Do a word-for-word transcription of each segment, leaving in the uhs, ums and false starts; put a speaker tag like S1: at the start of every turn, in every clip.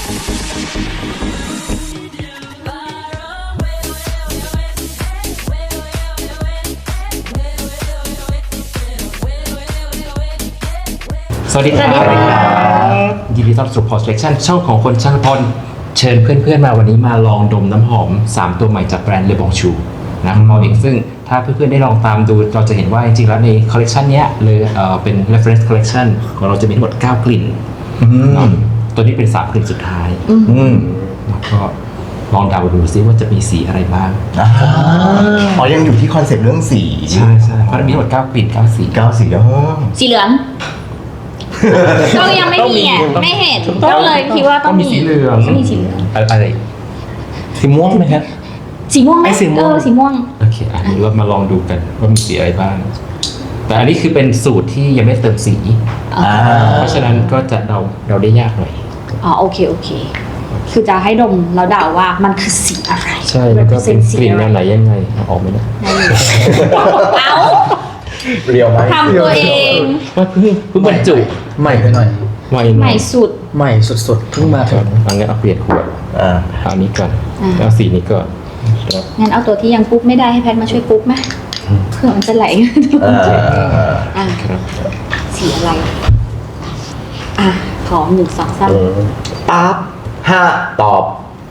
S1: สวัสดีครับยินดีต้อนรับสู่ Pulse Selection ช่องของคนช่างทนเชิญเพื่อนๆมาวันนี้มาลองดมน้ำหอมสามตัวใหม่จากแบรนด์ Le Bon Chou นะของเราเองซึ่งถ้าเพื่อนๆได้ลองตามดูเราจะเห็นว่าจริงๆแล้วในคอลเลกชันนี้เลยเอ่อเป็น reference collection ของเราจะมีทั้งหมดเก้ากลิ่นตัวนี้เป็นสามกลิ่นสุดท้ายแล้วก็ลองเดาดูซิว่าจะมีสีอะไรบ้าง
S2: อ๋อยังอยู่ที่คอนเซ็ปต์เรื่องสี
S1: ใช่ใช่เพราะมีทั้งหมดเก้ากลิ่นเก้าสี
S2: เก้าสีแล้ว
S3: สีเหลืองก็ยังไม่มีอ่ะไม่เห็นก็เลยคิดว่าต้องมี
S1: สีเหลือง
S3: มีสีเหลือง
S1: อะไร
S4: สีม่วงไหมครับ
S3: สีม่วงไหม
S4: สีม่วง
S3: สีม่วง
S1: โอเคอันนี้เรามาลองดูกันว่ามีสีอะไรบ้างแต่อันนี้คือเป็นสูตรที่ยังไม่เติมสีเพราะฉะนั้นก็จะเดาเดาได้ยากหน่อย
S3: อ๋อโอเคโอเคคือจะให้ดมแล้วเดาว่ามันคือสีอะไร
S1: ใช่แล้วก็เป็นกลิ่นแนวไหนยังไงออกไหมนะ
S3: เอา
S2: เรียวไหม
S3: ทำตัวเอง
S1: ว่าเพิ่งเพิ่งบรรจุ
S4: ใหม่ไปหน่อย
S1: ใหม่
S3: ใหม่สุด
S4: ใหม่สุดๆเพิ่งมาถึง
S1: อันนี้เอาเปลี่ยนขวด
S2: อ่า
S1: เอานี้ก่อนเอาสีนี้ก่อน
S3: งั้นเอาตัวที่ยังปุ๊บไม่ได้ให้แพทมาช่วยปุ๊บไหมเพื่อมันจะไหลอ่าครับสีอะไรอ่ะขอหนึ่งสองสาม
S2: ปั๊บห้าตอบ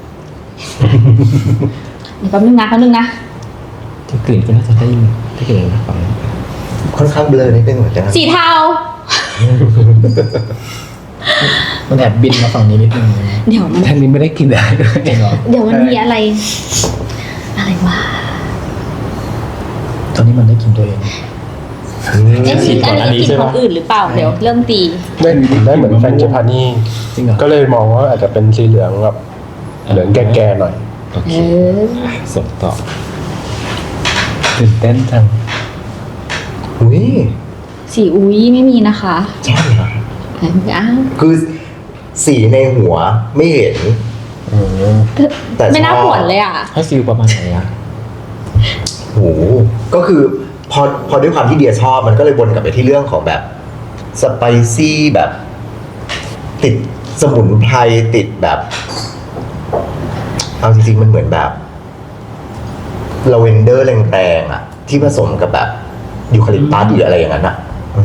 S3: นี่แป๊บนึงนะแป๊บนึงนะ
S1: กลิ่นก็น่าจะได้ได้กลิ่นนะฝั่ง
S2: ค่อนข้างเบลอนิดนึงเหมือนกัน
S3: สีเทา
S4: มันแอบบินมาฝั่งนี้นิดนึง
S3: เดี๋ยวมัน
S4: ทางนี้ไม่ได้กินได้ด้วย
S3: เดี๋ยวมันมีอะไรอะไรวะ
S4: ตอนนี้มันได้กินตัวเอง
S3: เอ๊ะอันนี้กินของอื่นหรือเปล่าเดี๋ยวเริ่มตี
S5: ได้ได้เหมือนแฟรงจิพานี่ก็เลยมองว่าอาจจะเป็นสีเหลืองแบบเหลืองแก่ๆหน่อย
S1: โอเคส่งต่อ
S4: ตื่นเต้นจัง
S2: อุ้ย
S3: สีอุ้ยไม่มีนะคะ
S2: ใช่เหรอ
S3: อ้าว
S2: คือสีในหัวไม่เห็น
S3: แต่ไม่น่าผวนเลยอ่ะ
S1: ให้ฟิลประมาณไหนอ่ะ
S2: โหก็คือพอพอด้วยความที่เดียชอบมันก็เลยวนกลับไปที่เรื่องของแบบสไปซี่แบบติดสมุนไพรติดแบบเอาจริงๆมันเหมือนแบบลาเวนเดอร์แรงๆอ่ะที่ผสมกับแบบยูคาลิปตัสหรืออะไรอย่างนั้นอ่ะ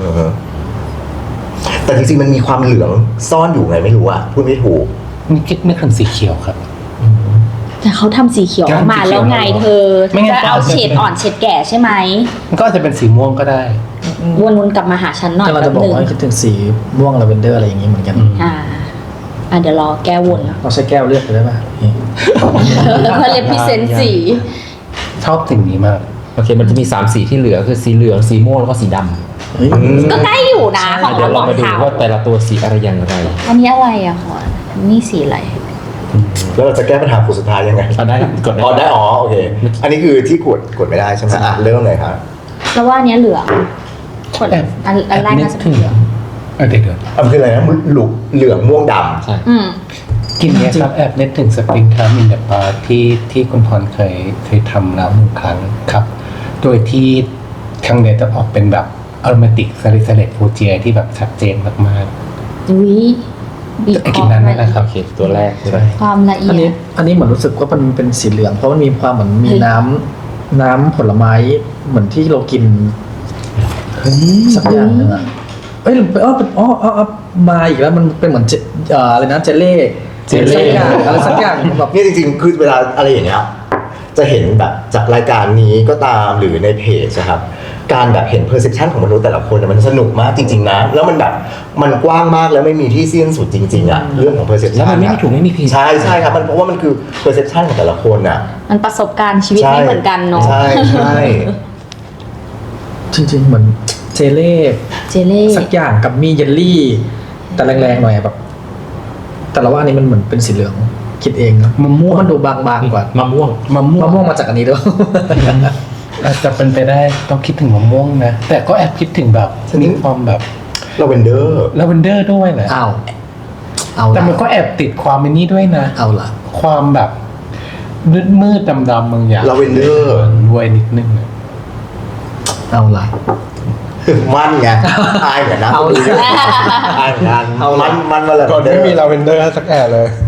S2: แต่จริงๆมันมีความเหลืองซ่อนอยู่ไงไม่รู้อ่ะพูดไม่ถูก
S4: นี่คิดนึกถึงสีเขียวครับ
S3: แต่เขาทำสีเขียวมาแล้วไงเธอจะเอาเฉดอ่อนเฉดแก่ใช่ไหม
S4: มันก็อาจจะเป็นสีม่วงก็ได้
S3: วนๆกลับมาหาฉันหน่อย
S4: เราจะบอกว่าคิดถึงสีม่วงลาเวนเดอร์อะไรอย่างงี้เหมือนกัน
S3: อ่าอ่ะเดี๋ยวรอแก้วนแล้ว
S4: เราใช้แก้วเลือกไปได้ป่ะ
S3: เพื่อเลพิเซนสี
S4: ชอบสิ่งนี้มาก
S1: โอเคมันจะมีสามสีที่เหลือคือสีเหลืองสีม่วงแล้วก็สีดำ
S3: ก็ใกล้อยู่นะของเรา
S1: มาดูว่าแต่ละตัวสีอะไรอย่างไร
S3: อันนี้อะไรอะขอนี่สีอะไร
S2: แล้วเราจะแก้ปัญหาคู่สุดท้ายยังไง
S1: ได้กด
S2: อ๋อได้อ๋อโอเคอันนี้คือที่กดกดไม่ได้ใช่ไหมอ่ะเริ่มเลยครับ
S3: แล้วว่าอันนี้เหลืองกดอันอันแรกน่าจะเป็นเหลือง
S4: อันเด็กเกิด
S2: อันคืออะไรนะหลุกเหลืองม่วงด
S1: ำใช่
S4: กินเนี้ยครับแอบนึกถึงสปริงทามินเดปาที่ที่คุณพรเคยเคยทำแล้วหนึ่งครั้งครับโดยที่ข้างในจะออกเป็นแบบอโรมาติกซาลิซาเลตฟูเจียที่แบบชัดเจนมาก
S3: ๆอุ้ย
S4: บีบคอนั้นนะครับ
S1: ตัวแรกใช่
S3: ความละเอียดอัน
S4: นี้อันนี้เหมือนรู้สึกว่ามันเป็นสีเหลืองเพราะมันมีความเหมือนมีน้ำน้ำผลไม้เหมือนที่เรากินสักอย่างนึงอ่ะเอ้ยอ๋ออ๋ออ๋อมาอีกแล้วมันเป็นเหมือนอะไรนะเจลเล่เจลเล่อะไรสักอย่างแบบ
S2: นี่จริงๆคือเวลาอะไรอย่างเงี้ยจะเห็นแบบจากรายการนี้ก็ตามหรือในเพจนะครับการแบบเห็น perception ของมนุษย์แต่ละคนมันสนุกมากจริงๆนะแล้วมันแบบมันกว้างมากแล้วไม่มีที่สิ้นสุดจริงๆอ่ะเรื่องของ perception
S1: แล้วมันไม่มีถูกไม่มีผิด
S2: ใช่ใช่ครับมันเพราะว่ามันคือ perception ของแต่ละคนอ่ะ
S3: มันประสบการณ์ชีวิตไม่เหมือนกันเนาะ
S2: ใช่ใช่
S4: จริงๆเหมือนเจเล่
S3: เจเล่
S4: สักอย่างกับมีเยลลี่แต่แรงๆหน่อยแบบแต่ละว่าอันนี้มันเหมือนเป็นสีเหลืองคิดเองนะมะม่วงมันดูบางๆกว่าม
S1: ะม่วง
S4: มะม่วงมะม่วงมาจากอันนี้ด้วยอาจจะเป็นไปได้ต้องคิดถึงมะม่วงนะแต่ก็แอบคิดถึงแบบมีความแบบ
S2: ลาเวนเดอร์
S4: ลาเวนเดอร์ด้วยแหละอ้าวเอาแต่มันก็แอบติดความมินี่ด้วยนะเอาล่ะความแบบมืดมืดดำดำบางอย่าง
S2: ลาเวนเดอร์
S4: ด้วยนิดนึงเอาล่ะ
S2: มันไงอายเหมือนนะ
S4: เอา
S2: อายเหมือนกันมันมันมาเลย
S5: ก่อนไม่มีลาเวนเดอร์สักแอะเลย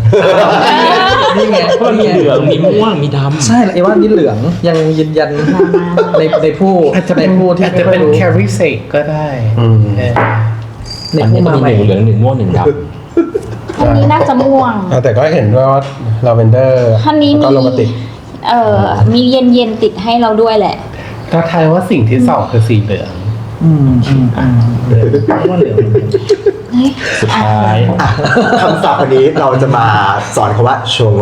S4: นี่ไง
S1: เพราะมันมีเหลืองมีม่วงมีดำ
S4: ใช่ไอ้ว่านี่เหลืองยังยืนยันในในผู้
S6: อาจจะ
S4: ใน
S6: เป็น
S4: ผู้ที่
S6: อาจ
S4: ไม่
S6: จะ
S4: ค่อ
S6: เป็
S4: ย
S6: น
S4: รู้
S6: แคริเซกก็ได้
S5: อืม
S6: เออ
S4: ใน
S1: อัน
S4: ผู้
S1: นี้ก็
S4: มา
S1: มี
S4: ใหม่
S1: หนึ่งเหลืองหนึ่งม่วงหนึ่งด
S3: อันนี้น่าจะม่วง
S5: แต่ก็เห็นด้วยว่าลาเวนเดอร์
S3: อันนี้
S5: ก็
S3: มี
S5: โรแมนติก
S3: เอ่อมีเย็นเย็นๆติดให้เราด้วยแหละ
S6: เราทายว่าสิ่งที่สองคือสีเหลือง
S4: อืมอืมอืมเพราะว่าเหลือง
S3: เฮ้ย
S1: ำสุดท้าย
S2: อ่ะคำศัพท์วันนี้เราจะมาสอนคำว่าโชโง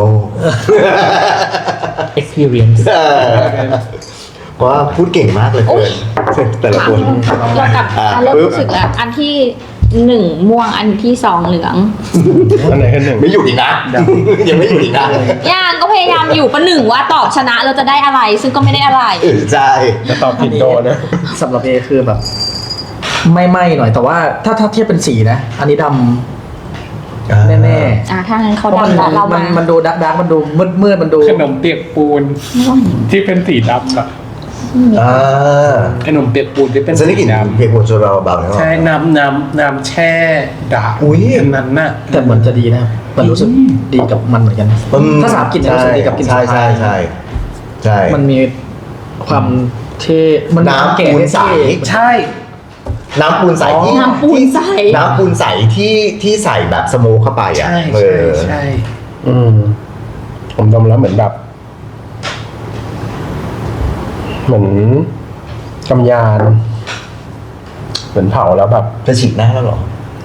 S1: experience
S2: เออเพราะว่าพูดเก่งมากเลยเกินแต่ละคน
S3: เรากลับ
S2: อ่ะ
S3: อ่ะเริ่ม
S2: ปึ๊บ
S3: รู้สึกแล้วอันที่หนึ่งม่วงอันที่สองเหลือง
S5: อันไหนคือหนึ่ง
S2: ไม่หยุดอีกนะ ยังไม่หยุดอีกนะ
S3: ย่างก็พยายามอยู่ประหนึ่งว่าตอบชนะเราจะได้อะไร ซึ่งก็ไม่ได้อะไร
S2: เออใช่
S5: จะตอบผิดโดนนะ
S4: สำหรับเอคือแบบ ไม่ไหม้หน่อยแต่ว่าถ้าถ้าเทียบเป็นสีนะ อันนี้ดำแน่
S3: อ่ะถ้างั้น
S4: ๆ
S3: เขา
S4: เพราะมัน
S3: ดำแล้วเรา
S4: มั
S3: มาน
S4: มันดูดักดักมันดูมืดมืดมันดู
S6: ขนมเปียกปูนที่เป็นสีดำอะ
S2: อ่า
S6: ขนมเปียกปูนที่เป็น
S2: ฉันได้ก
S6: สี
S2: ลิ่น
S6: ดำ
S2: เพลงโมโจเราเบาๆนะ
S6: ใช่น้ำน้ำน้ำแช่ดา
S2: อุ๊ย
S6: อันนั้นน่ะ
S4: แต่เหมือนจะดีนะมันรู้สึกดีกับมันเหมือนกัน
S2: อืม
S4: ถ้าสามกลิ่นเนี่ยรู้สึกดีกับกลิ่น
S2: ใช่
S4: สุด
S2: ใช่
S4: ท้าย
S2: ใช่ใช่
S4: มันมีความเท่มัน
S2: น้ำ
S4: แก่
S2: ปูนใส
S6: ใช่
S2: น้ำปูนใสที่
S3: น้ำปูนใส
S2: น้ำปูนใสที่ที่ใส่แบบสโมกเข้าไปอ่ะ
S6: ใช่
S2: เอ
S6: ใช่
S2: อ
S6: ใช่
S5: อืม ผมดมแล้วเหมือนแบบ เหมือนกำยาน เหมือนเผาแล้วแบบ
S2: จะฉีดหน้าแล้วเหรอ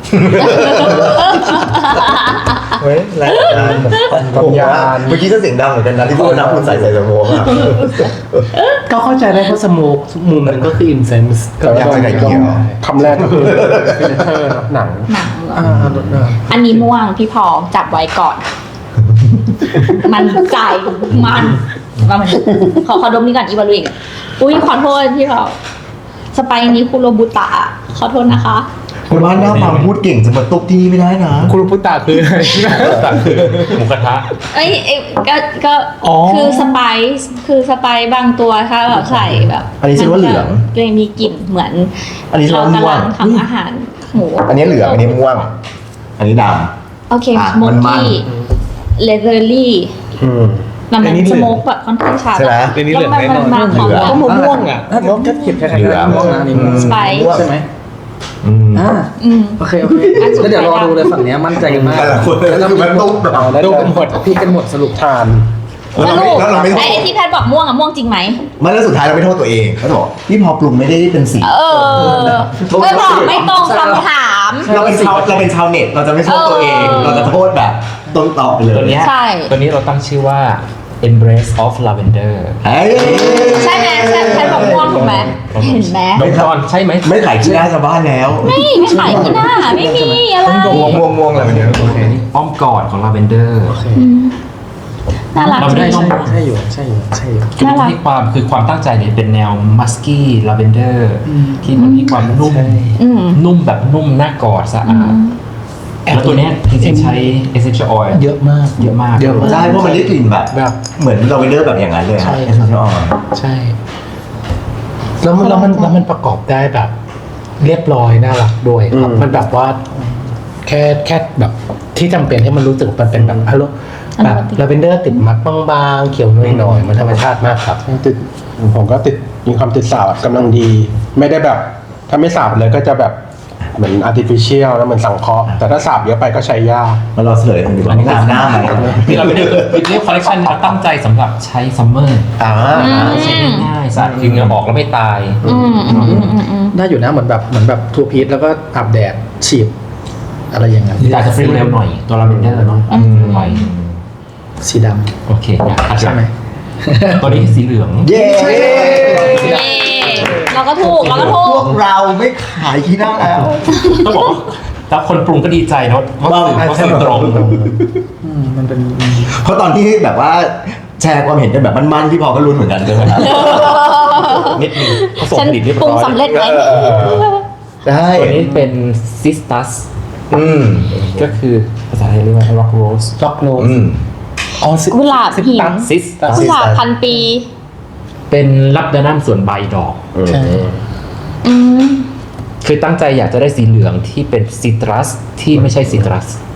S2: เฮ้ยแรงงาน
S5: กำยาน
S2: เมื่อกี้จะเสียงดังเหมือนกันนะที่พูดว่าน้ำปูนใสใส่สโมกอ่ะ
S6: ก็เข้าใจได้เพราะสโมกมุมนั้นก็คืออินเซนส์
S2: ก็อยากจะไก่เกลี่ยว
S5: คำแรกก็คือฟิลเตอร์หนัง
S3: หนังเหรอ
S4: อ่าอ่า
S3: อันนี้ม่วงพี่พอจับไว้ก่อน มันใจมันว่ามันขอขอดมนี่ก่อนอีวาลูอีกอุ้ยขอโทษพี่พอสไปนี้คุโรบุตะขอโทษนะคะ
S2: คุณว่าหน้าฟังพูดเก่งจะมาตุกที่นี่ไม่ได้นะ
S6: คุรุพุตะคืออะไร
S1: แต่คือหมูกระทะ
S3: เอ้ยเอ้ยก็ก็
S6: อ๋อ
S3: คือสไปซ์คือสไปซ์บางตัวถ้าแบบใส่แบบ
S2: อันนี้ฉันว่าเหลือง
S3: เลยมีกลิ่นเหมือน
S2: อันนี้ฉัน
S3: เรา
S2: ว่าม่
S3: กำ
S2: ว
S3: ลั
S2: ง
S3: งทำอาหารหมู
S2: อันนี้เหลืองอันนี้ม่วง อันนี้ด
S3: โอเค
S2: อ่ะ
S3: สโม
S2: มันมัน
S3: กี้เลเ h อรี่
S5: อืม
S3: มัน
S6: อันนี้
S3: เป็น
S6: เหลื
S3: ส
S6: อง
S3: โมกแบบค่อนข้างชัด
S2: ใช่ไหม
S6: อันนี้เหลืองแน่นอน
S3: มัมันหอม
S2: เหลือง
S3: หวาน
S6: มะม่วงอ่ะ
S4: อ่ะมองก็เขียนคล้ายๆกันมองนะนี่
S2: อืม
S3: สไปซ์
S4: ใช่ไหม
S2: ำอืม
S4: อ่า
S3: อืม
S4: โอเคโอเคแล้วเดี๋ยวรอดูเลยฝั่งเนี้ยมั่นใจกันมาก
S2: แต่ละคนคือมันตุ๊กแบบ
S5: แล้ว
S6: ดู
S5: จะ
S6: กันหมด
S4: พี่กันหมดสรุป
S5: ทาน
S2: แล้วเราไม่แล้วเราไม่โท
S3: ไอ้
S2: ษ
S3: ไอ้ที่แพทย์บอกม่วงอะม่วงจริงไหม
S2: มันแล้วสุดท้ายเราไม่โทษตัวเองเขาบอกพี่พอปรุงไม่ได้เป็นสี
S3: เออไม่บอกไม่ตรงคำถาม
S2: เราเป็นชาวเราเป็นชาวเน็ตเราจะไม่โทษตัวเอง
S3: เออ
S2: เราจะโทษแบบต้นตอไปเลย
S1: ตัวเนี้ย
S3: ใช่
S1: ตัวนี้เราตั้งชื่อว่า embrace of lavender
S2: เฮ้ย
S3: ใช่ไหมใช่แพทย์บอกม่วงถูกไหมเห็นไหม
S1: ดมก่อนใช่ไหม
S2: ไม่ขายที่หน้าชาวบ้านแล้ว
S3: ไม่ไม่ขายที่หน้าไม่มีอะไร
S2: ม่วงม่วงม่วงอะไรแบบเนี้ย
S1: โอเคนี่อ้อมกอดของ lavender
S3: อืมน่ารัก
S1: เรา
S3: จ
S1: ได้
S3: ริง
S1: ช่อง
S4: ใช่อยู่ใช่อยู่ใช่อยู่
S1: คือ
S3: น่ารัก
S1: ที่ความคือความตั้งใจเนี่ยเป็นแนว musky lavender ที่มันมีความนุ่ม
S3: อืม
S1: นุ่มแบบนุ่มน่ากอดสะอาดแล้วตัวเนี้ยจริงๆใช้ essential oil
S6: เยอะมาก
S1: เยอะมาก
S6: เยอะมาก
S2: ใช่เพราะมันได้กลิ่นแบบ
S6: แบบ
S2: เหมือนลาเวนเดอร์แบบอย่างนั้นเลย
S6: ใช่
S2: ไอ้ชอบ
S6: ใช่ แล้วมันแล้วมันแล้วมันประกอบได้แบบ เรียบร้อยน่ารักด้วยครับ
S5: อืม
S6: มันแบบว่า แค่แค่แบบที่จำเป็นให้มันรู้สึกมันเป็นแบบอารมณ์แบบลาเวนเดอร์ติดมัดบางๆเขียวหน่อยๆมันธรรมชาติมากครับ
S5: ติดผมก็ติดมีความติดสาบกำลังดี ไม่ได้แบบ ถ้าไม่สาบเลยก็จะแบบเหมือน artificial แล้วเหมือนสังเคราะห์แต่ถ้าสาบเยอะไปก็ใช้ยาก
S2: มาเราเฉลยกันดีกว่าตามหน้าไหม
S1: ที่เราไปดูวิดีโอคอลเลคชันเราตั้งใจสำหรับใช้ซัมเมอร์
S2: อ่า
S1: ใช้ง่ายๆสะอาดคือเหงื่อออกแล้วไม่ตาย
S3: อืมอืมอืมอืมอืม
S4: ได้อยู่นะเหมือนแบบเหมือนแบบทูพีซแล้วก็อาบแดดฉีดอะไรอย่างเงี้ย
S1: อาจจะฟรีเร็วหน่อยตัวลาเวนเดอร์เนาะหน่อย
S4: สีด
S1: โอเคอ่ะ
S4: ำใช่ไหม
S1: ตัวนี้สีเหลือง
S2: เย้
S3: เย้เราก็ถูกเราก็ถู
S2: พ
S3: ก
S2: วกเราไม่ขายที่หน้าแล้ว
S1: ต้องบอกว่าแล้วคนปรุงก็ดีใจเนาะว่าสื่อว่าสื่อตรง
S4: อืมมันเป็น
S2: เพราะตอนที่แบบว่าแชร์ความเห็นกันแบบมันๆพี่พอก็รุ้นเหมือนกันใช่ไหมครับ
S1: นิดนึงผสม
S3: ฉัน
S1: ผลิตเรียบ
S3: ปรุง
S1: ร้อย
S3: สำเร็จไหม
S2: ได้
S1: ตัวนี้เป็นซิสตัส
S2: อืม
S1: ก็คือภาษาไทยเรียกว่า rock rose
S6: ล็อกโน
S2: อืม
S6: อ๋อสิ
S3: กุหลาบหิน
S1: ซิสตัส
S3: กุหลาบพันปี
S1: เป็นลับดานัมส่วนใบดอก
S6: ใช่
S3: อืม
S1: คือตั้งใจอยากจะได้สีเหลืองที่เป็นซิตรัสที่ไม่ใช่ซิตรัส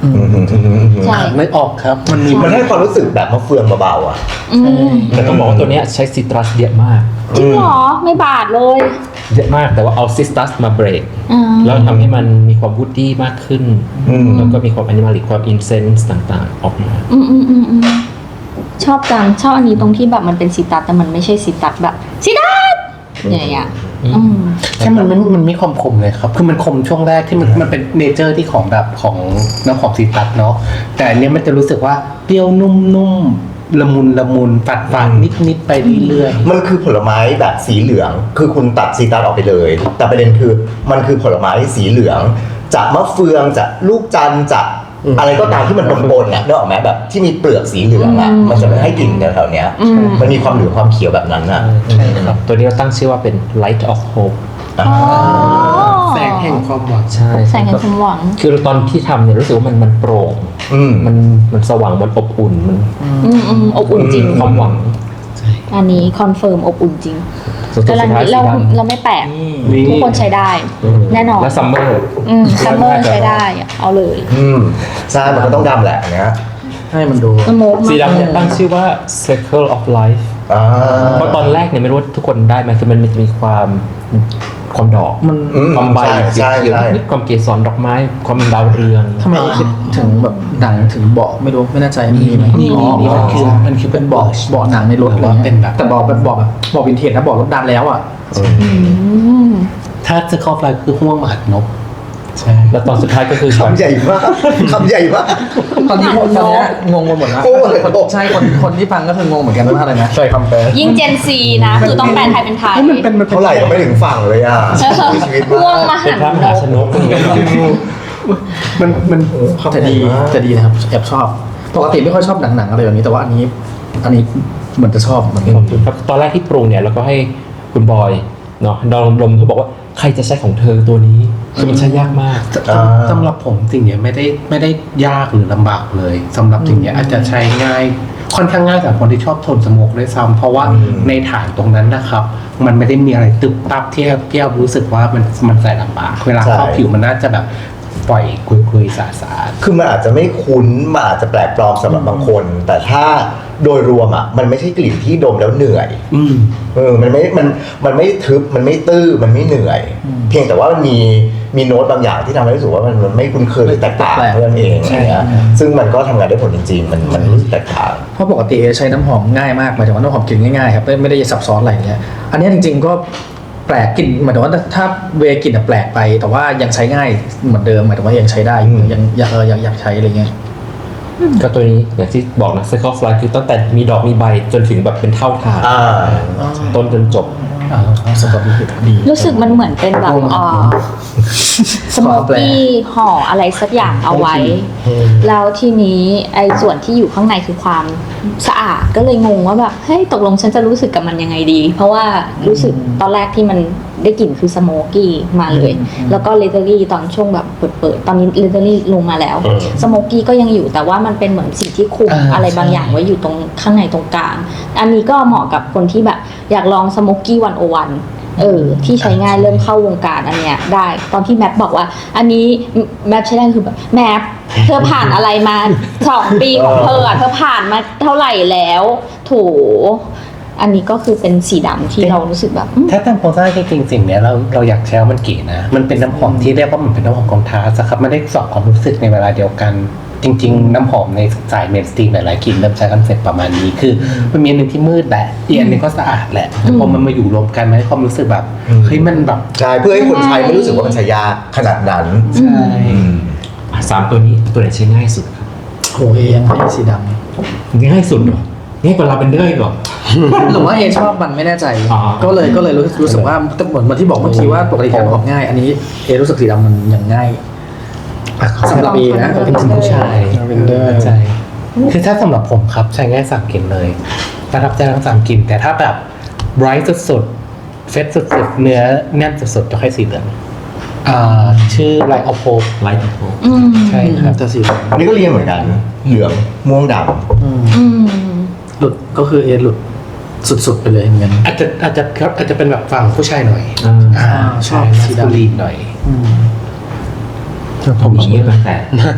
S2: อืมอืมอืมอืม
S3: ใช่
S6: ไม่ออกครับ มันมี
S2: มันให้ความรู้สึกแบบมะเฟืองเบาๆอ่ะ
S3: อืม
S1: แต่ต้องบอกว่าตัวเนี้ยใช้ซิตรัสเยอะมาก
S3: จริงเหรอไม่บาดเลย
S1: เยอะมากแต่ว่าเอาซิตรัสมาเบรก
S3: อ่า
S1: แล้วทำให้มันมีความวูดดี้มากขึ้น
S2: อืม
S1: แล้วก็มีความแอนิมาลิกความอินเซนส์ต่างๆ ออกมา
S3: อืมอืมอืมอืมชอบจังชอบอันนี้ตรงที่แบบมันเป็นซิตรัสแต่มันไม่ใช่ซิตรัสแบบซิตรัสอย่างเงี้ยอืม
S6: แค่มันมันมันไม่คมคมเลยครับ คือมันคมช่วงแรกที่มันมันเป็นเนเจอร์ที่ของแบบของน้ำหอมซีตรัสเนาะ แต่อันเนี้ยมันจะรู้สึกว่าเปรี้ยวนุ่มๆละมุนละมุนฝาดฝาดนิดนิดๆไปเรื่อย
S2: มันคือผลไม้แบบสีเหลือง คือคุณตัดซีตรัสออกไปเลย แต่ประเด็นคือมันคือผลไม้สีเหลือง จากมะเฟืองจากลูกจันทร์จากอะไรก็ตามที่มันปนๆน่ะนึกออกไหมแบบที่มีเปลือกสีเหลืองอ่ะ
S3: อืม
S2: มันจะให้กลิ่นแถวๆเนี้ย
S3: อืม
S2: มันมีความเหลืองความเขียวแบบนั้นอ่ะ
S6: ๆใช่ครับ
S1: ตัวนี้เราตั้งชื่อว่าเป็น Light of Hope
S2: อ่า
S3: อ๋อ
S6: แสงแห่งความหวัง
S1: ใช่
S3: แสงแห่งความหวัง
S1: คือตอนที่ทำเนี่ยรู้สึกว่ามันมันโปร่ง
S2: อืม
S1: มันมันสว่างมันอบอุ่นมัน
S3: อืมอืมอบอุ่นจริง
S1: ความหวัง
S3: อันนี้คอนเฟิร์มอบอุ่นจริง
S1: ส่วนตัว
S3: กำลั
S1: สุ
S3: ง
S1: ดท้าย
S3: เรา
S1: สีดำ
S3: เราไม่แปลก
S1: นี่
S3: ทุกคนใช้ได้ แน่นอน
S1: และซัมเมอร์
S3: อืมซัมเมอร์ใช้ได้ เอาเลย
S2: อืมใช่มันก็ต้องดำแหละอันเนี้ย
S4: ให้มันดู
S3: สโมก
S1: สีดำเนี่ย
S3: มาก
S1: ตั้งชื่อว่า Circle of Life
S2: อ่า
S1: เพราะตอนแรกเนี่ยไม่รู้ว่าทุกคนได้ไหมคือมันจะมีความความดอก
S4: มัน
S2: อืม
S1: ความใบ
S2: ใช่ใช่
S1: เขียว
S2: ใช่
S1: ๆนิดความเกสรดอกไม้ ความดาวเรือง
S4: ทำไมคิดถึงแบบหนังถึงเบาะไม่รู้ไม่แน่ใจมีไหม
S6: มี
S4: อ๋อ
S6: มี
S4: อ๋อ
S6: มันคือมันคือ
S4: เป็นเบาะเบาะหนังในรถ
S6: หรือว่าเป็นแบบ
S4: แต่เบาะแบบเบาะแบบเบาะวินเทจนะเบาะรถดันแล้วอ่ะ
S3: อืม
S6: ถ้าจะเข้าไฟคือห่วงมหาดนก ใช่
S1: แล้วตอนสุดท้ายก็คือ
S2: คำใหญ่มากคำใหญ่มาก
S4: ตอนนี้คนตอนเนี้ยงงไปหมดแล้ว
S2: โอ้ย
S4: คนใช่คนคนที่ฟังก็คืองงเหมือนกันว่าอะไรนะ
S5: ใช่คำแปล
S3: ยิ่งเจนซีนะ คือต้องแปลไทยเป็นไทย
S6: มันเป็นมันเป็น
S2: เท่าไหร่ก็ไม่ถึงฝั่งเลยอ่ะมีชีวิต
S3: ม่วง
S2: มาก
S3: ม
S1: เป็นพระม
S3: หั
S1: หาน ช
S3: ต์
S1: นก
S6: มันมัน
S4: แต่ดีแต่ดีนะครับแอบชอบปกติไม่ค่อยชอบหนังๆอะไรแบบนี้แต่ว่าอันนี้ อันนี้เหมือนจะชอบเหมือนกัน
S1: ขอบคุณครับตอนแรกที่ปรุงเนี่ยเราก็ให้คุณบอยเนาะดองลมเขาบอกว่าใครจะใช้ของเธอตัวนี้คือมันใช้ยากมาก
S2: อ่า
S6: สำหรับผมสิ่งเนี้ยไม่ได้ไม่ได้ยากหรือลำบากเลยสำหรับสิ่งเนี้ยอาจจะใช้ง่ายค่อนข้างง่ายสำหรับคนที่ชอบทนสโมกด้วยซ้ำเพราะว่า
S2: อืม
S6: ในฐานตรงนั้นนะครับ มันไม่ได้มีอะไรตึบตับที่ที่เรารู้สึกว่ามันมันใส่ลำบากเวลาเข้าผิวมันน่าจะแบบปล่อยคุยๆสาสา
S2: คือมันอาจจะไม่คุ้นมันอาจจะแปลกปลอมสำหรับบางคน แต่ถ้าโดยรวมอ่ะมันไม่ใช่กลิ่นที่ดมแล้วเหนื่อย
S6: อืม
S2: เออ มันไม่ มัน มันไม่ทึบ มันไม่ตื้อ มันไม่เหนื่อย เพียงแต่ว่ามันมี มีโน้ตบางอย่างที่ทำให้รู้สึกว่ามันมันไม่คุ้นเคยหรือแตกต่างเท่านั้นเองอะไรเงี้ยซึ่งมันก็ทำงานได้ผลจริง ๆ มัน มันรู้สึกแตกต่าง
S4: เพราะปกติใช้น้ำหอมง่ายมากหมายถึงว่าน้ำหอมกลิ่นง่ายๆครับไม่ไม่ได้ซับซ้อนอะไรอย่างเงี้ยอันนี้จริงๆก็แปลกกลิ่นหมายถึงว่าถ้าเวกลิ่นอะแปลกไป แต่ว่ายังใช้ง่ายเหมือนเดิมหมายถึงว่ายังใช้ได้อยู่
S2: อืม
S4: ยังยังเออยังอยากใช้อะไรเงี้ย
S1: ก็ตัวนี้อย่างที่บอกนะ Circle of Life คือตั้งแต่มีดอกมีใบจนถึงแบบเป็นเท่าฐาน
S2: อ่า
S1: ต้นจนจบ
S4: อ่าสตอรี่ดี
S3: รู้สึกมันเหมือนเป็นแบบอ่าสโมกกี้ห่ออะไรสักอย่างเอาไว้ แล้วทีนี้ไอ้ส่วนที่อยู่ข้างในคือความสะอาดก็เลยงงว่าแบบเฮ้ยตกลงฉันจะรู้สึกกับมันยังไงดี เพราะว่ารู้สึกตอนแรกที่มันได้กลิ่นคือสโมกกี้มาเลย แล้วก็เลเทอรี่ตอนช่วงแบบเปิดๆตอนนี้เลเทอรี่ลงมาแล้ว
S2: อืม
S3: สโมกกี้ก็ยังอยู่แต่ว่ามันเป็นเหมือนสิ่งที่คุม
S6: อ่า
S3: อะไรบาง
S6: ใช่
S3: อย่างไว้อยู่ตรงข้างในตรงกลาง อันนี้ก็เหมาะกับคนที่แบบอยากลองสโมกกี้วันโอวันเออที่ใช้ง่ายเริ่มเข้าวงการอันเนี้ยได้ตอนที่แมปบอกว่า อันนี้แมปใช้ได้คือแบบแมปเธอผ่านอะไรมาสองปีของเธออะเธอผ่านมาเท่าไหร่แล้วโถอันนี้ก็คือเป็นสีดำที่เรารู้สึกแบบอืม
S6: ถ้าตามโครงสร้างจริงๆสิ่งเนี้ยเราเราอยากใช้ว่ามันเก๋นะ มันเป็นน้ำหอมที่เรียกว่ามันเป็นน้ำหอมคอนทราสต์อะครับไม่ได้สอบความรู้สึกในเวลาเดียวกัน จริง ๆ น้ำหอมในสายเมนสตรีมหลายๆกลิ่นเริ่มใช้คอนเซ็ปต์ประมาณนี้คือมันมีอันหนึ่งที่มืดแหละอีกอันหนึงก็สะอาดแหละแต่พอมันมาอยู่รวมกันมันให้ความรู้สึกแบบ
S2: อืม
S6: เฮ้ยมันแบบ
S2: ใช่ เพื่อให้คนใช้ไม่รู้สึกว่ามันใช้ยากขนาดนั้น
S6: ใช่
S1: อ่ะสามตัวนี้ตัวไหนใช้ง่ายสุดครับ
S4: โหเอยังให้สีด
S1: ง่ายสุดเหรอง่ายกว่าลาเวนเดอร์อีกเหรอ
S4: ำหรือว่าเอชอบมันไม่แน่ใจ
S1: อ๋อ
S4: ก็เลยก็เลยรู้รู้สึกว่าเหมือนเหมือนที่บอกเมื่อกี้ว่าปกติใช้น้ำหอมง่าย อันนี้เอรู้สึกสีดำมันยังง่ายสำหรับเอนะ
S6: เป็นผู้ชาย
S5: Lavender
S6: ใช่คือถ้าสำหรับผมครับใช้ง่ายสามกลิ่นเลยประทับใจทั้งสามกลิ่นแต่ถ้าแบบ bright สุดๆเฟสสุดๆเนื้อแน่นสุดๆจะให้สีเหลืองอ่าชื่อ Light of Hope
S1: Light of Hope
S3: อืม
S6: ใช่ครับ
S4: แต่สี
S2: อันนี้ก็เรียนเหมือนกัน เหลือง ม่วงด
S4: อืม
S3: อืม
S4: หลุดก็คือเอหลุดสุดๆไปเลยเหมือนกัน
S6: อาจจะอาจจะอาจจะเป็นแบบฝั่งผู้ชายหน่อย
S1: อ่า
S6: อ่า
S4: ชอบ
S6: ใช่
S4: สีดำ
S6: สีดำลีนหน่อย
S4: อืม
S1: ผมอย่างนี้ตั้งแต่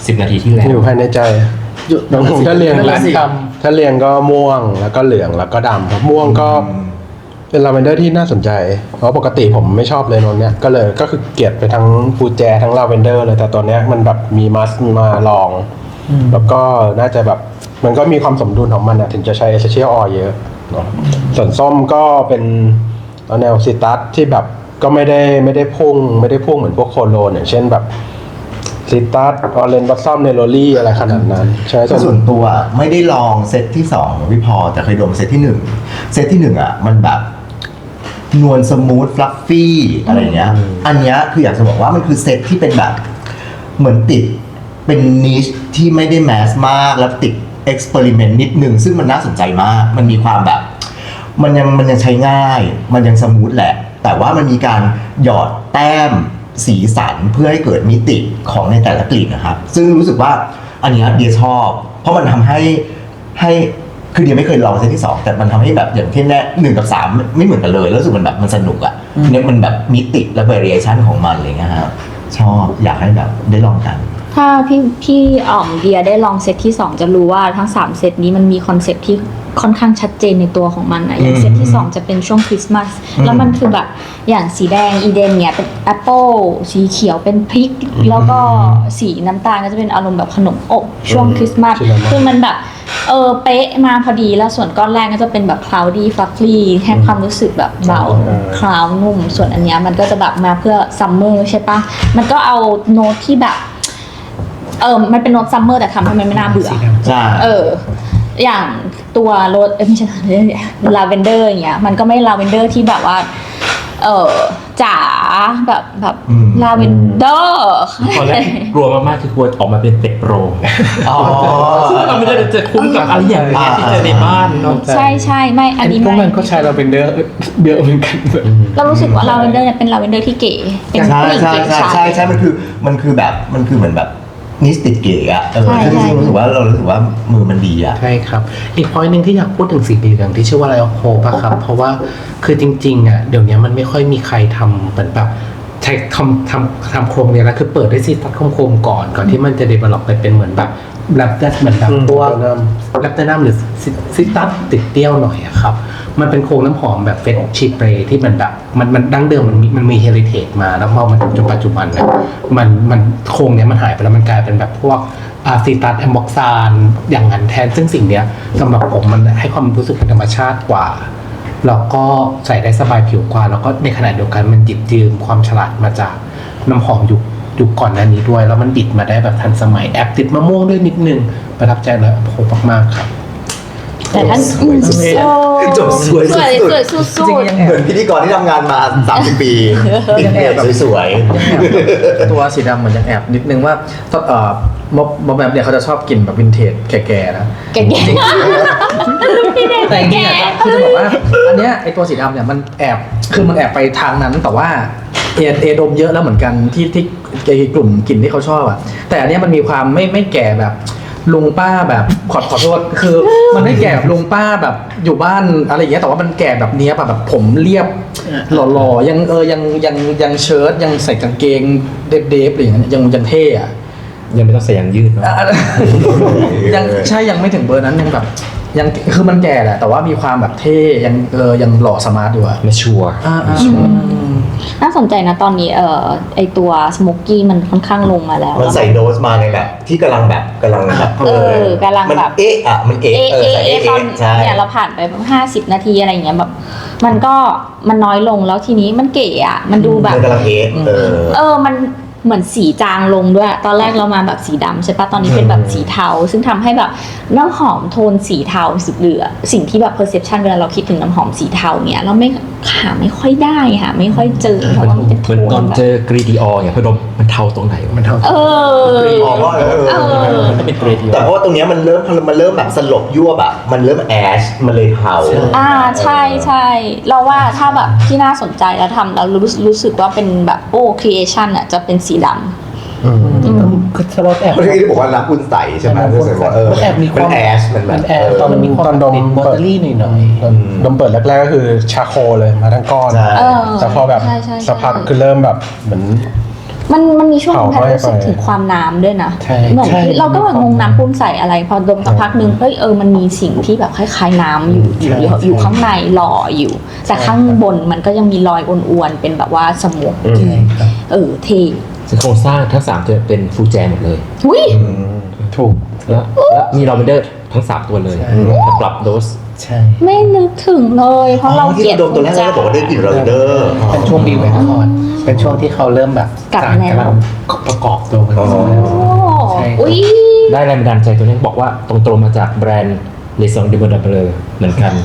S1: สิบนาทีที่แล้ว
S5: อยู่ภายในใจน้องผมถ้าเรียง
S4: นั่นแห
S5: ร้า
S4: ละ
S5: น
S4: สิ
S5: คำถ้าเรียงก็ม่วงแล้วก็เหลืองแล้วก็ดำครับม่วงก็เป็นลาเวนเดอร์ที่น่าสนใจ เพราะปกติผมไม่ชอบเลยนนเนี้ยก็เลยก็คือเกลียดไปทั้งฟูแจทั้งลาเวนเดอร์เลยแต่ตัวเนี้ยมันแบบมีมัสมาลอง แล้วก็น่าจะแบบมันก็มีความสมดุลของมันอะถึงจะใช้เอเซเชียลออยเยอะเนอะส่วนส้มก็เป็นแนวซิตัสที่แบบก็ไม่ได้ไม่ได้พุ่งไม่ได้พุ่งเหมือนพวกโคโลนอย่างเช่นแบบซิตัสออเรนบัสซัมเนโรลี่อะไรขนาดนั้นใช่ไหม
S2: ส่วนตัวไม่ได้ลองเซตที่สองของพี่พอแต่เคยดมเซตที่หนึ่งเซตที่หนึ่งอ่ะมันแบบนวลสมูทฟลัฟฟี่อะไรเงี้ยอันเนี้ยคืออยากจะบอกว่ามันคือเซตที่เป็นแบบเหมือนติดเป็นนิชที่ไม่ได้แมสมากแล้วติดเอ็กซ์เพร์เมนต์นิดนึงซึ่งมันน่าสนใจมากมันมีความแบบมันยังมันยังใช้ง่ายมันยังสมูทแหละแต่ว่ามันมีการหยอดแต้มสีสันเพื่อให้เกิดมิติของในแต่ละกลิ่นนะครับซึ่งรู้สึกว่าอันเนี้ยเดียชอบเพราะมันทำให้ให้คือเดียไม่เคยลองเซตที่สองแต่มันทำให้แบบอย่างที่แน่หนึ่งกับสามไม่เหมือนกันเลยแล้วรู้สึกมันแบบมันสนุกอ่ะเนี่ยมันแบบมิติและ variation ของมันอะไรเงี้ยครับชอบอยากให้แบบได้ลองกัน
S3: ถ้าพี่พี่อ่อมเดียได้ลองเซตที่สองจะรู้ว่าทั้งสามเซตนี้มันมีคอนเซ็ปต์ที่ค่อนข้างชัดเจนในตัวของมันนะอย่างเซตที่สองจะเป็นช่วงคริสต์มาสแล้วมันคือแบบอย่างสีแดงอีเดนเนี่ยเป็นแอปเปิลสีเขียวเป็นพริก แล้วก็สีน้ำตาลก็จะเป็นอารมณ์แบบขนมอบช่วงคริสต์มาสคือมันแบบเออเป๊ะมาพอดีแล้วส่วนก้อนแรกก็จะเป็นแบบ cloudy fluffy ให้ความรู้สึกแบบเบาคลาวนุ่มส่วนอันเนี้ยมันก็จะแบบมาเพื่อซัมเมอร์ใช่ปะมันก็เอาโน้ตที่แบบเออมันเป็นโน้ตซัมเมอร์แต่ทำให้มันไม่น่าเบื่อ
S2: ใช่
S3: เออ อย่างตัวโรสเอ้ยไม่ใช่ลาเวนเดอร์อย่างเงี้ย มันก็ไม่ลาเวนเดอร์ที่แบบว่า เออจ๋าแบบแบบลาเวนเดอร์
S1: ตอนแรกกลัวมากๆคือกลัวออกมาเป็นเป็ดโปร
S2: อ๋อ
S1: ซึ่งเราไม่ได้จะคุ้นกับอะไรอย่างเงี้ยที่เจอในบ้านเนาะ
S3: ใช่ใช่ไม่อันนี้
S6: พวก
S3: ไม่
S6: มันก็ใช้ลาเวนเดอร์เยอะเหมือนกัน
S3: เรารู้สึกว่าลาเวนเดอร์เนี่ยเป็นลาเวนเดอร์ที่เก๋เป็น
S2: ใช่
S3: ผู้หญิง
S2: ใช่
S3: เก๋
S2: ใช่
S3: ชาย
S2: ใช่ใช่มันคือมันคือแบบมันคือเหมือนแบบนิสติดเก๋อะเออ
S3: ใช่
S2: ซึ่ง
S3: ใช่
S2: รู้สึกว่าเรารู้สึกว่ามือมันดีอะ
S6: ใช่ครับ อีกพอยหนึ่งที่อยากพูดถึงสีเหลืองที่ชื่อว่าไลโอโคป่ะครับ เพราะว่าคือจริงๆอ่ะเดี๋ยวนี้มันไม่ค่อยมีใครทำเหมือนแบบใช้ทำทำทำโครงเนี่ยแล้วคือเปิดด้วยซีตัดโคมๆก่อนก่อนที่มันจะเดเวล็อปไปเป็นเหมือนแบบแรปเตอร์เหมือนแบบพวกแรปเตอร์น้ำหรือซิตัสติดเตี้ยวหน่อยอะครับมันเป็นโครงน้ำหอมแบบเฟสชีเปรที่มันแบบมันมันดั้งเดิมมันมีมันมีเฮริเทจมาแล้วพอมันถึงจนปัจจุบันเนี่ยมันมันโครงเนี้ยมันหายไปแล้วมันกลายเป็นแบบพวกอาซีตัสแอมบ็อกซานอย่างนั้นแทนซึ่งสิ่งเนี้ยสำหรับผมมันให้ความรู้สึกเป็นธรรมชาติกว่าแล้วก็ใส่ได้สบายผิวกว่าแล้วก็ในขณะเดียวกันมันหยิบยืมความฉลาดมาจากน้ำหอมยุคยุคก่อนหน้านี้ด้วยแล้วมันบิดมาได้แบบทันสมัยแอบติดมะม่วงด้วยนิดนึงประทับใจเลยโอ้โหมากๆครับ
S3: แต่ท่าน
S2: สวยสุดๆจบสวย
S3: ส
S2: สุ
S3: วย
S2: ด
S3: สวยสุ
S4: จริง
S3: ด
S4: ๆยัง
S2: ๆ
S4: แอ
S2: เห
S4: บ
S2: มือนพิธีกรที่ทำงานมาสามสิบปีปิดเน็ตสวย
S4: ยังแอบตัวสีดำเหมือนยังแอบนิดนึงว่าตอนเอ่อมอบมอบแบบเนี่ยเขาจะชอบกินแบบวินเทจแก่ๆนะ
S3: ๆแก่ๆพี่เด็ก
S4: แต่จริงๆ
S3: แก่
S4: อ่ะคือจะบอกว่าอันเนี้ยไอตัวสีดำเนี่ยมันแอบคือมันแอบไปทางนั้นแต่ว่าเอเอดมเยอะแล้วเหมือนกันที่ที่ไอกลุ่มกลิ่นที่เขาชอบอ่ะแต่อันเนี้ยมันมีความไม่ไม่แก่แบบลุงป้าแบบขอขอโทษคือมันไม่แก่แบบลุงป้าแบบอยู่บ้านอะไรอย่างเงี้ยแต่ว่ามันแก่แบบเนี้ยแบบแบบผมเรียบหล่อๆยังเออยังยังยังเชิ้ตยังใส่กางเกงเดฟๆอะไรอย่างเงี้ยยังยังเท่อะ
S1: ยังไม่ต้องใส่ยางยืดเนาะ
S4: อ่ะยังใช่ยังไม่ถึงเบอร์นั้นยังแบบยังคือมันแก่แหละแต่ว่ามีความแบบเท่ยังเออยังหล่อสมาร์ทอยู่อะ
S1: มาชัวร์
S4: อ่าอ่า
S3: น่าสนใจนะตอนนี้เอ่อไอตัวสโมกกี้มันค่อนข้างลงมาแล้ว
S2: มันใส่โดสมาในแบบที่กำลังแบบกำลังแบบ
S3: เออกำลัง
S2: มัน
S3: แบบ
S2: เอ๊ะอ่ะมันเอ๊ะ
S3: เอะ
S2: เออ
S3: เอะ
S2: ใส่
S3: เอะ
S2: เอ๊ะ
S3: ตอน
S2: ใช่
S3: เนี่ยเราผ่านไปห้าสิบนาทีอะไรอย่างเงี้ยแบบมันก็มันน้อยลงแล้วทีนี้มันเก๋อะมันดูแบบ
S2: มันกำลังเอ๊ะเออ
S3: เออ มันเหมือนสีจางลงด้วย ตอนแรกเรามาแบบสีดำใช่ปะตอนนี้เป็นแบบสีเทา ซึ่งทำให้แบบน้ำหอมโทนสีเทาสุดเหลือ สิ่งที่แบบ perception เวลาเราคิดถึงน้ำหอมสีเทาเนี่ยเราไม่หาไม่ค่อยได้ค่ะไม่ค่อยเจอเพราะว่ามันเป็นโท
S1: เหมือน
S3: น
S1: ตอน
S3: แบบ
S1: เจอกรีดีอออย่างพอดมมันเทาตรงไหนวะมันเทา
S3: เออ
S2: อ๋อว่าเออ
S3: เออ
S1: มันเป็นกรีดีอ
S2: แต่
S1: อ
S2: เพราะว่าตรงเนี้ยมันเริ่มมันเริ่มแบบสลบยั่วแบบมันเริ่มแอชมันเลยเทา
S3: อ่าใช่ใช่เราว่าถ้าแบบที่น่าสนใจแล้วทำแล้วรู้รู้สึกว่าเป็นแบบโอ้ creation อ่ะจะเป็นสีดำ
S6: คือสล็อตแอบ
S2: เพราะที่บอกว่ารักคุณใสใช่ไหมรู้สึกว่าเออ
S6: มันแอบมีความ
S2: นแอชมันแบบ
S6: แอบตอนมันมีความ
S5: ตอนดม
S6: ติดวอเตอรี่หน่อยๆ
S5: ดมเปิดแรกๆก็คือชาโคเลยมาทั้งก้อน
S2: ใช่
S3: เออ
S5: แต่พอแบบ
S3: ใช่ใช่ใช่
S5: สักพักคือเริ่มแบบเหมือน
S3: มันมันมีช่วงหนึง
S5: เผา
S3: แพทรู้สึก
S5: ไป
S3: ถึงความน้ำด้วยนะ
S6: ใช่
S3: เหมือน
S6: ใช่
S3: ที่เราก็แบบงงน้ำปุ้มใส่อะไร พอดมสักพักหนึ่งเฮ้ยเออมันมีสิ่งที่แบบคล้ายๆน้ำอยู่อยู่อยู่อยู่ข้างในหล่ออยู่ แต่ข้างบนมันก็ยังมีรอยอ้วนๆเป็นแบบว่าสมุก
S6: ใช่ครับ
S3: เออเท่
S1: ซึ่งโครงสร้างทั้งสามตัวเป็นฟูลแจหมดเลย
S3: อุ้ย
S6: ถูก
S1: แล้วแล้วมีลาเวนเดอร์ทั้งสามตัวเลย
S6: ใช่
S1: แต่ปรับโดส
S6: ใช่
S3: ไม่นึกถึงเลย เพราะเรา
S2: ที่
S3: เกลียด
S2: เราดมตัวแรกเราก็บอกว่าได้กลิ่นลาเวนเดอร์
S6: เป็นช่วงบีเวนคอร์ดเป็นช่วงที่เขาเริ่มแบบ
S3: กลับ
S6: สาร
S3: แนว
S6: กำลังประกอบตัวกัน
S2: อ๋อ
S6: แล้ว
S3: โอ้
S6: ใช่
S3: อุ้ย
S1: ได้แรงบันดาลใจตัวนี้บอกว่าตรงๆมาจากแบรนด์เลซองดิบดับเบลเหมือนกัน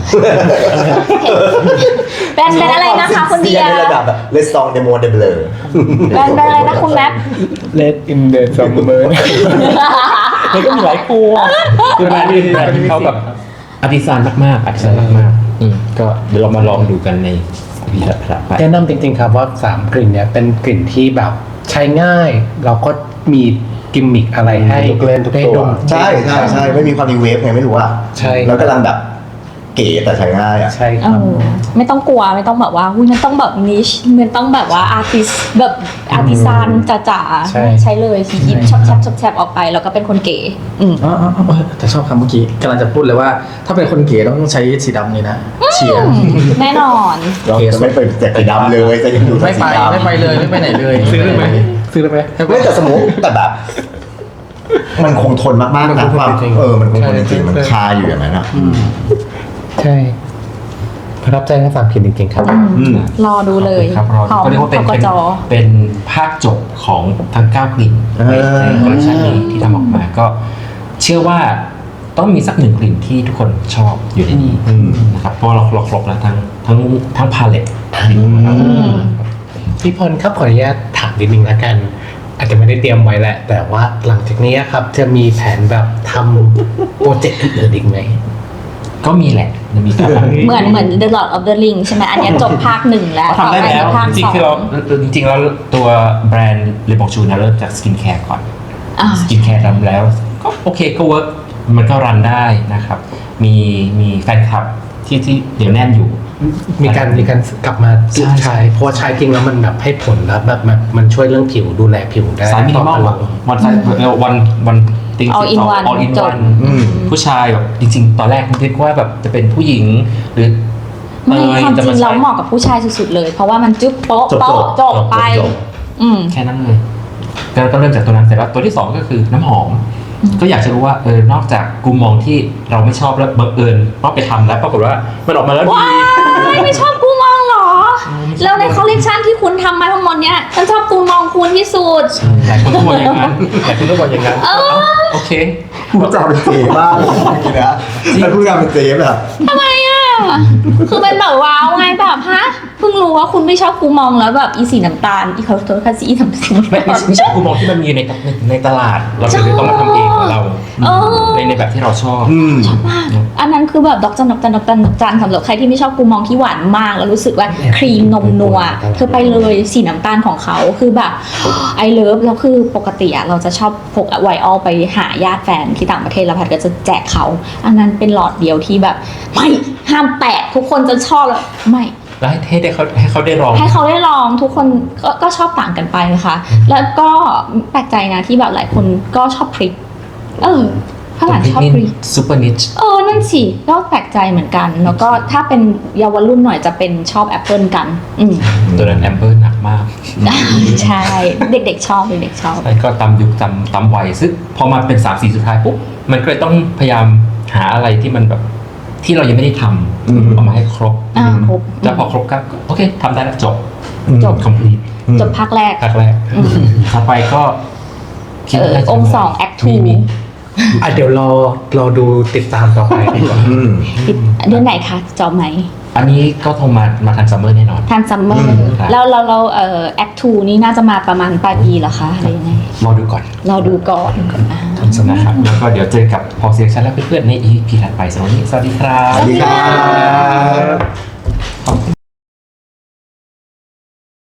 S3: แบรนด์เป็นอะไรนะคะคุณเดีย
S2: ในระดับแบบเลสซองเดโมเดเบลอ
S3: แบรนด์เป็นอะไรนะคุณแม็ป
S6: Let in the summer
S1: มันก็มีหลายคู่คือแบรนด์นี้เป็นแบรนด์ที่เขาแบบอาร์ติซานมากๆอาร์ติซานมากๆอืมก็เดี๋ยวเรามาลองดูกันในวีดีโอถัดไป
S6: แนะนำจริงๆครับว่าสามกลิ่นเนี้ยเป็นกลิ่นที่แบบใช้ง่ายเราก็มีกิมมิคอะไรให้
S5: ทุกเล่นทุก
S6: ได้
S5: ตัว
S6: ดม
S2: ใช่ใช่ใช่ไม่มีความรีเวฟไงไม่รู้อ่ะ
S6: ใช่
S2: แล้วกำลังแบบเก๋แต่ใช้ง่ายอ่ะ
S6: ใช่ค
S3: เอ
S6: รับ
S3: อไม่ต้องกลัวไม่ต้องแบบว่าอุ้ยมันต้องแบบนิชมันต้องแบบว่าอาร์ติสแบบอาร์ติซานจ๋า
S6: ใช่
S3: ๆใช้เลยทียิบชอบแชบชอบแชบออกไปแล้วก็เป็นคนเก๋อืม
S4: อ๋ออ๋ออ๋อแต่ชอบคำเมื่อกี้กำลังจะพูดเลยว่า ถ้าเป็นคนเก๋ต้องใช้สีดำนี่นะเชียร์
S3: แน่นอน
S2: เราจะไม่ไปแจกสีดำเลยจะยังอยู่
S4: ไม่ไป
S2: สีดำ
S4: ไม่ไปเลยไม่ไปไหนเลย ซื้อได้ไหมซื้อได้ไหมให้ไป
S2: ไม่แต่สมมติแต่แบบ มันคงทนมากๆ
S6: มัน
S2: นะ
S6: คงทน
S2: ความ
S6: จริงๆ
S2: เออมันคงทนจ
S6: ใช่
S2: ริงๆมัน
S6: ใช่
S2: คาอยู่อย่างนั้นอ่ะ
S6: ใช่ประทับใจทั้งสามกลิ่นจริงๆครับ
S2: อืม
S3: รอดูเลย
S1: ครับรอ
S3: พร้อม
S1: ก็เรียกว่าเป็น
S3: พก
S1: เป็น
S3: จ
S1: เป็นภาคจบของทั้งเก้ากลิ่น
S2: เออ
S1: ในคอลเลคชันนี้ที่ทำออกมาก็เชื่อว่าต้องมีสักหนึ่งกลิ่นที่ทุกคนชอบอยู่ในนี้
S2: อืม
S1: นะครับเพราะว่าเราเราครบแล้วทั้งทั้งทั้งพาเลต
S6: พี่พลครับขออนุญาตถามนิดนึงละกัน อาจจะไม่ได้เตรียมไว้แหละ แต่ว่าหลังจากนี้ครับจะมีแผนแบบทำโปรเจกต์อื่นๆอีกไหม
S1: ก็มีแหละมันมีการ
S3: เหมือนเหมือน The Lord of the Ring ใช่ไหมอันเนี้ยจบภาคหนึ่งแล้ว
S1: เขาทำได้แล้ว
S3: ต่อปภาค
S1: จริ
S3: ส
S1: ง
S3: อ
S1: ๆคือเรา
S3: ง
S1: จริงๆแล้วตัวแบรนด์เลบองชูเนี่ยเริ่มจากสกินแคร์ก่อน
S3: อ่า
S1: สกินแคร์ทำแล้วก็โอเคก็เวิร์กมันก็รันได้นะครับ มีมีแฟนคลับที่ที่เดี๋ยวแน่นอยู่
S6: มีการมีการกลับมา
S1: ใช่
S6: ใช้เพราะว่าใช้จริงแล้วมันแบบให้ผลแล้วแบบมันมันช่วยเรื่องผิวดูแลผิวได้
S1: สายมินิมอล
S6: ต่อ
S1: วันสายวันวันติง
S3: All in one
S1: ออลอิน
S3: จบ
S1: วัน
S2: อืม
S1: ผู้ชายแบบจริง ๆ ตอนแรกคิดว่าแบบจะเป็นผู้หญิงหรือ
S3: ไม่
S1: เตย
S3: ความจ
S1: จะ
S3: ริ
S1: มาง ใช้
S3: เราเหมาะกับผู้ชายสุดๆเลย เพราะว่ามันจึ๊บโป๊ะ
S2: จบ
S3: โป๊ะ
S2: จ
S3: จ
S2: บบ
S3: ไป
S2: จบ
S3: อืม
S1: แค่นั้นเลยก็ก็เริ่มจากตัวนั้นเสร็จแล้วตัวที่สองก็คือน้ำหอม ก็อยากจะรู้ว่าเออนอกจากกูมองที่เราไม่ชอบแล้วบังเอิญว่าไปทำแล้วปรากฏว่ามันออกมาแล้วดี
S3: ว้ายไม่ชอบกูมองเหรอ แล้วในคอลเลกชันที่คุณทำมาทั้งหมดเนี้ยฉันชอบกูมองคุณที่สุด
S1: หลายคนก็บอกอย่างนั้นหลายคนก็บอกอย่างนั้น
S3: เออ
S1: โอเค
S2: พูดจาเป็นเจ๊มากเลยนะแล้วพูดจาเป็นเจ๊แบบ
S3: ทำไมอ่ะ คือเป็นแบบว้าวไงแบบฮะ เพิ่งรู้ว่าคุณไม่ชอบกูมองแล้วแบบอีสีน้ำตาล อีเขาตัวคัสอีน้ำตาล
S1: ไม่ไม่ไม่ใช่กูมองที่มันมีในในในตลาด เราเลยต้องมาทำเองของเรา
S3: เออ
S1: ในในแบบที่เราชอบ
S2: อืม
S3: อันนั้นคือแบบดอกจันดอกจันดอกจันดอกจันสำหรับใครที่ไม่ชอบกูมองที่หวานมาก แล้วรู้สึกว่าครีมนมนัวเธอไปเลยสีน้ำตาลของเขาคือแบบไอเลิฟแล้วคือปกติอะเราจะชอบพกไวออลไปหาญาติแฟนที่ต่างประเทศแล้วพัดก็จะแจกเขา อันนั้นเป็นหลอดเดียวที่แบบ ไม่ห้ามแตะทุกคนจะชอบแล้วไม่
S1: แล้วให้ให้ได้เขาให้เขาได้ลอง
S3: ให้เขาได้ลองทุกคนก็ก็ชอบต่างกันไปนะคะ แล้วก็แปลกใจนะที่แบบหลายคนก็ชอบพริก เออฝรั่งชอบพริก
S1: ซูเปอร์นิช
S3: เออ นั่นสิ ก็แปลกใจเหมือนกัน แล้วก็ถ้าเป็นเยาวรุ่นหน่อยจะเป็นชอบแอปเปิลกัน อืม
S1: ตัวนั้นแอมเบอร์หนักมาก
S3: ใช่ เด็กๆชอบเด็กๆชอบ
S1: ใช่ก็ตามยุคตามตามวัยซึ่งพอมาเป็นสามสีสุดท้ายปุ๊บมันก็เลยต้องพยายามหาอะไรที่มันแบบที่เรายังไม่ได้ท
S2: อืม
S1: ำเอามาให้ครบ
S3: อ่าครบ
S1: แล้วพอครบก็โอเคทำได้แล้วจบ
S3: จบ
S1: complete
S3: จบภาคแรก
S1: ภาคแรกต่อไปก็คิด
S3: เออ
S1: ว่าน่าจะ
S3: องค์สอง act two
S1: มีมี
S6: อ่ะเดี๋ยวรอรอดูติดตามต่อไปดีกว่า
S2: อืม
S3: ปิดเดือนไหนคะจอบไหม
S1: อันนี้ก็คงมามาทันซัมเมอร์แน่นอน
S3: ทันซัมเมอ
S2: อื
S3: ร์
S2: ม
S1: ครับ
S3: แล้วเราเราเอ่อ act two นี่น่าจะมาประมาณปลายปีเหรอคะอะไรยังไง
S1: รอดูก่อน
S3: เราดูก่อนอ่า
S1: นะครับแล้วก็เดี๋ยวเจอกับพอเซียชั่นและเพื่อนๆใน อี พี ถัดไปสำหรับวันนี้สวัสดีครับ
S2: สวัสดีครับ